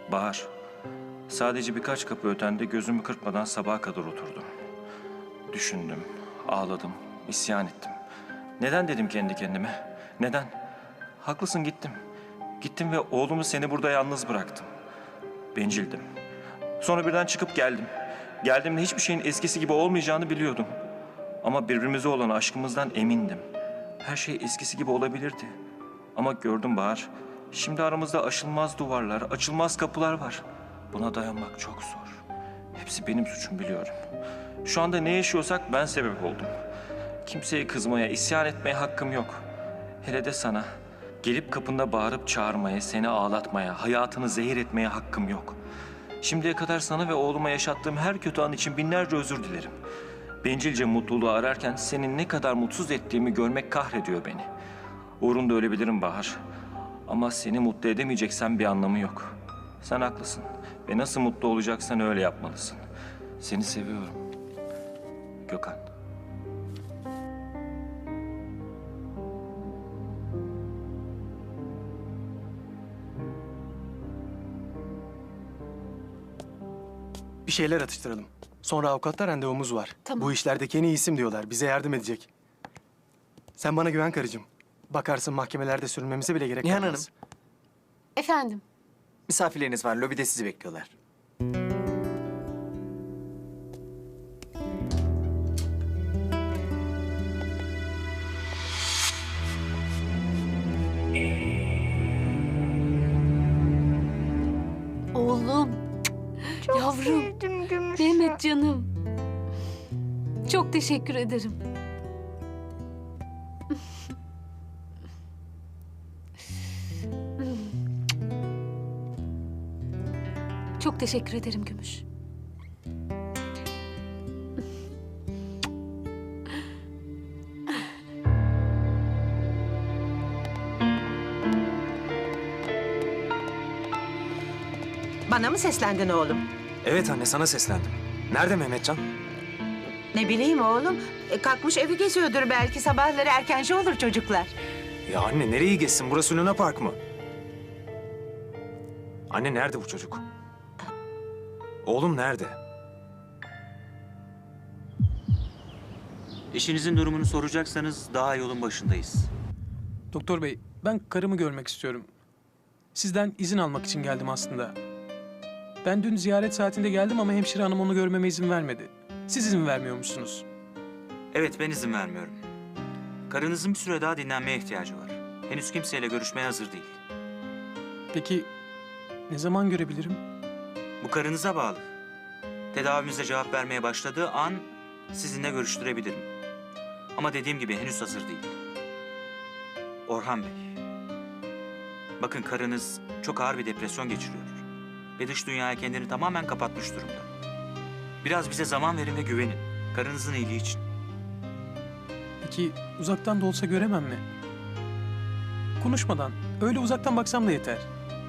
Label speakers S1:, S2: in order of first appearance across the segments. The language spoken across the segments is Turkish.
S1: Bahar, sadece birkaç kapı ötende gözümü kırpmadan sabaha kadar oturdum. Düşündüm, ağladım, isyan ettim. Neden dedim kendi kendime? Neden? Haklısın, gittim. Gittim ve oğlumu seni burada yalnız bıraktım. Bencildim. Sonra birden çıkıp geldim. Geldiğimde hiçbir şeyin eskisi gibi olmayacağını biliyordum. Ama birbirimize olan aşkımızdan emindim. Her şey eskisi gibi olabilirdi. Ama gördüm Bahar, şimdi aramızda aşılmaz duvarlar, açılmaz kapılar var. Buna dayanmak çok zor. Hepsi benim suçum, biliyorum. Şu anda ne yaşıyorsak ben sebep oldum. Kimseye kızmaya, isyan etmeye hakkım yok. Hele de sana. Gelip kapında bağırıp çağırmaya, seni ağlatmaya, hayatını zehir etmeye hakkım yok. Şimdiye kadar sana ve oğluma yaşattığım her kötü an için binlerce özür dilerim. Bencilce mutluluğu ararken senin ne kadar mutsuz ettiğimi görmek kahrediyor beni. Uğrunda ölebilirim Bahar. Ama seni mutlu edemeyeceksen bir anlamı yok. Sen haklısın ve nasıl mutlu olacaksan öyle yapmalısın. Seni seviyorum. Gökhan.
S2: Bir şeyler atıştıralım. Sonra avukatla randevumuz var.
S3: Tamam.
S2: Bu işlerdeki en iyi isim diyorlar. Bize yardım edecek. Sen bana güven karıcığım. Bakarsın mahkemelerde sürünmemize bile gerek
S4: Nihan
S2: kalmaz.
S3: Efendim,
S4: Misafirleriniz var. Lobide sizi bekliyorlar.
S3: oğlum,
S5: Çok
S3: yavrum,
S5: sevdim Gümüşü.
S3: Mehmet canım. Çok teşekkür ederim. Çok teşekkür ederim Gümüş.
S6: Bana mı seslendin oğlum?
S2: Evet anne, sana seslendim. Nerede Mehmetcan?
S6: Ne bileyim oğlum. Kalkmış evi geziyordur belki. Sabahları erkenci olur çocuklar.
S2: Ya anne, nereye geçsin? Burası Luna Park mı? Anne, nerede bu çocuk? Oğlum nerede?
S7: Eşinizin durumunu soracaksanız daha yolun başındayız.
S8: Doktor bey, ben karımı görmek istiyorum. Sizden izin almak için geldim aslında. Ben dün ziyaret saatinde geldim ama hemşire hanım onu görmeme izin vermedi. Siz izin vermiyormuşsunuz.
S7: Evet, ben izin vermiyorum. Karınızın bir süre daha dinlenmeye ihtiyacı var. Henüz kimseyle görüşmeye hazır değil.
S8: Peki ne zaman görebilirim?
S7: Bu karınıza bağlı. Tedavimize cevap vermeye başladığı an sizinle görüştürebilirim. Ama dediğim gibi henüz hazır değil. Orhan Bey. Bakın, karınız çok ağır bir depresyon geçiriyor. Ve dış dünyaya kendini tamamen kapatmış durumda. Biraz bize zaman verin ve güvenin. Karınızın iyiliği için.
S8: Peki uzaktan da olsa göremem mi? Konuşmadan, öyle uzaktan baksam da yeter.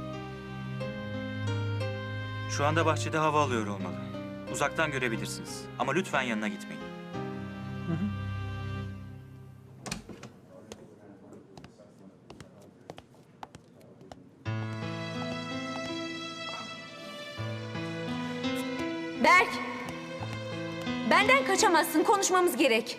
S7: Şu anda bahçede hava alıyor olmalı. Uzaktan görebilirsiniz. Ama lütfen yanına gitmeyin.
S8: Hı hı.
S5: Berk! Benden kaçamazsın. Konuşmamız gerek.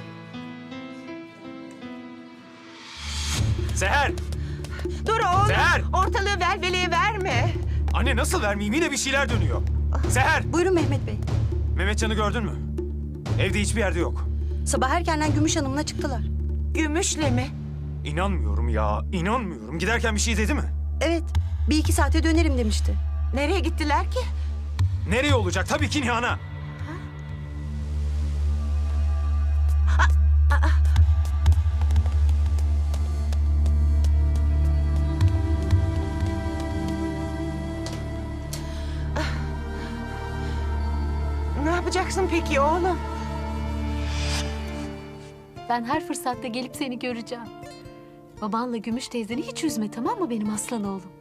S2: Seher!
S6: Dur oğlum.
S2: Seher!
S6: Ortalığı velveleye verme.
S2: Anne, nasıl vermeyeyim? Yine bir şeyler dönüyor. Seher!
S9: Buyurun Mehmet Bey.
S2: Mehmetcan'ı gördün mü? Evde hiçbir yerde yok.
S9: Sabah erkenden Gümüş Hanım'la çıktılar.
S6: Gümüşle mi?
S2: İnanmıyorum ya, inanmıyorum. Giderken bir şey dedi mi?
S9: Evet, bir iki saate dönerim demişti.
S6: Nereye gittiler ki?
S2: Nereye olacak? Tabii ki Nihan'a.
S6: Ne yapacaksın peki oğlum?
S3: Ben her fırsatta gelip seni göreceğim. Babanla Gümüş teyzeni hiç üzme, tamam mı benim aslan oğlum?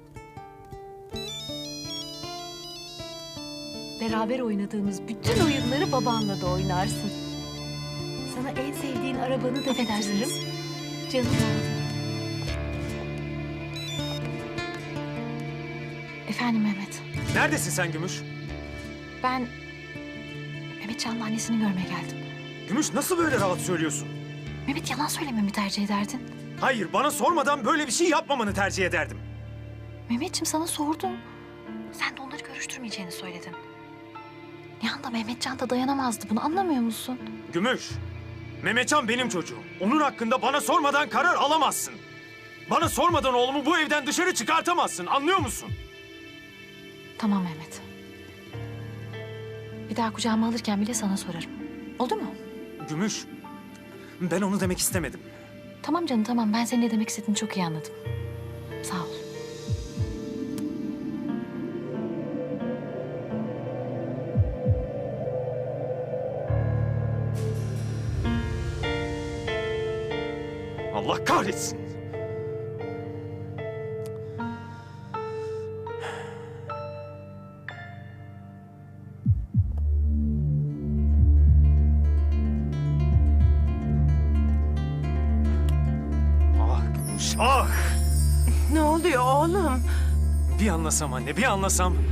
S3: Beraber oynadığımız bütün oyunları babanla da oynarsın. Sana en sevdiğin arabanı da getiririm. Canım oğlum. Efendim Mehmet.
S2: Neredesin sen Gümüş?
S3: Ben Mehmetcan'la annesini görmeye geldim.
S2: Gümüş nasıl böyle rahat söylüyorsun?
S3: Mehmet yalan söylememi tercih ederdin.
S2: Hayır, bana sormadan böyle bir şey yapmamanı tercih ederdim.
S3: Mehmetciğim sana sordum. Sen de onları görüştürmeyeceğini söyledin. Nihan da Mehmetcan da dayanamazdı. Bunu anlamıyor musun?
S2: Gümüş, Mehmetcan benim çocuğum. Onun hakkında bana sormadan karar alamazsın. Bana sormadan oğlumu bu evden dışarı çıkartamazsın, anlıyor musun?
S3: Tamam Mehmet. Bir daha kucağıma alırken bile sana sorarım. Oldu mu?
S2: Gümüş, ben onu demek istemedim.
S3: Tamam canım tamam. Ben senin ne demek istediğini çok iyi anladım. Sağ ol.
S2: Allah kahretsin. Ah Gümüş, ah!
S6: Ne oluyor oğlum?
S2: Bir anlasam anne, bir anlasam.